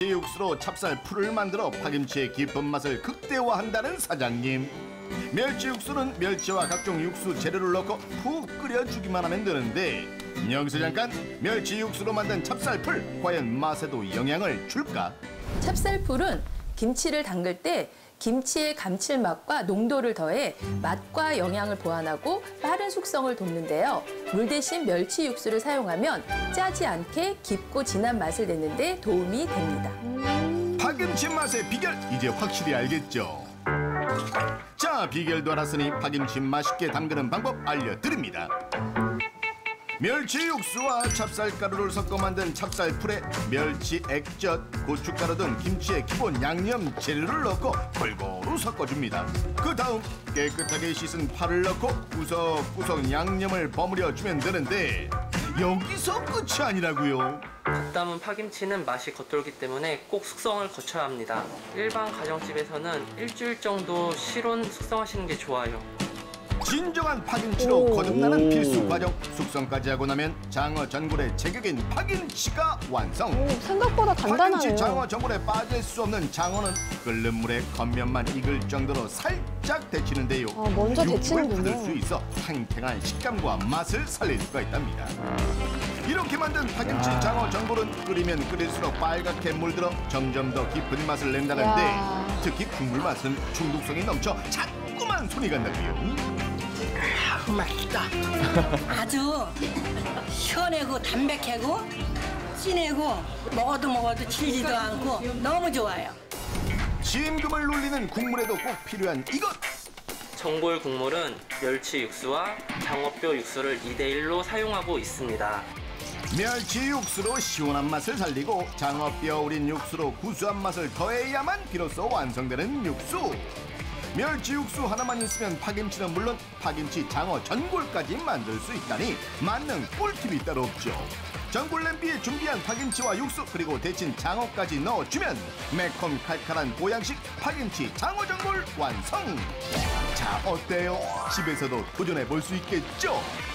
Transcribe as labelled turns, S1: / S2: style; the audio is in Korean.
S1: 육수로 찹쌀 풀을 만들어 파김치의 깊은 맛을 극대화한다는 사장님. 멸치 육수는 멸치와 각종 육수 재료를 넣고 푹 끓여주기만 하면 되는데 여기서 잠깐 멸치 육수로 만든 찹쌀풀 과연 맛에도 영향을 줄까?
S2: 찹쌀풀은 김치를 담글 때 김치의 감칠맛과 농도를 더해 맛과 영양을 보완하고 빠른 숙성을 돕는데요. 물 대신 멸치 육수를 사용하면 짜지 않게 깊고 진한 맛을 내는 데 도움이 됩니다.
S1: 파김치 맛의 비결 이제 확실히 알겠죠? 자, 비결도 알았으니 파김치 맛있게 담그는 방법 알려드립니다. 멸치 육수와 찹쌀가루를 섞어 만든 찹쌀풀에 멸치 액젓, 고춧가루 등 김치의 기본 양념 재료를 넣고 골고루 섞어줍니다. 그 다음 깨끗하게 씻은 파를 넣고 구석구석 양념을 버무려 주면 되는데 여기서 끝이 아니라고요.
S3: 갓 담은 파김치는 맛이 겉돌기 때문에 꼭 숙성을 거쳐야 합니다. 일반 가정집에서는 일주일 정도 실온 숙성하시는 게 좋아요.
S1: 진정한 파김치로 거듭나는 필수 과정. 숙성까지 하고 나면 장어 전골의 제격인 파김치가 완성.
S4: 생각보다 단단하네요.
S1: 파김치 장어 전골에 빠질 수 없는 장어는 끓는 물에 겉면만 익을 정도로 살짝 데치는데요.
S4: 먼저
S1: 육즙을
S4: 데치는군요.
S1: 받을 수 있어 탱탱한 식감과 맛을 살릴 수가 있답니다. 이렇게 만든 파김치 장어 전골은 끓이면 끓일수록 빨갛게 물들어 점점 더 깊은 맛을 낸다는데
S4: 야.
S1: 특히 국물 맛은 중독성이 넘쳐 자꾸만 손이 간다고요.
S5: 맛있다. 아주 시원하고 담백하고 진하고 먹어도 질지도 않고 너무 좋아요.
S1: 심금을 울리는 국물에도 꼭 필요한 이것.
S3: 전골 국물은 멸치 육수와 장어뼈 육수를 2대1로 사용하고 있습니다.
S1: 멸치 육수로 시원한 맛을 살리고 장어뼈 우린 육수로 구수한 맛을 더해야만 비로소 완성되는 육수. 멸치 육수 하나만 있으면 파김치는 물론 파김치 장어 전골까지 만들 수 있다니 만능 꿀팁이 따로 없죠. 전골 냄비에 준비한 파김치와 육수 그리고 데친 장어까지 넣어주면 매콤 칼칼한 보양식 파김치 장어 전골 완성. 자, 어때요? 집에서도 도전해 볼 수 있겠죠?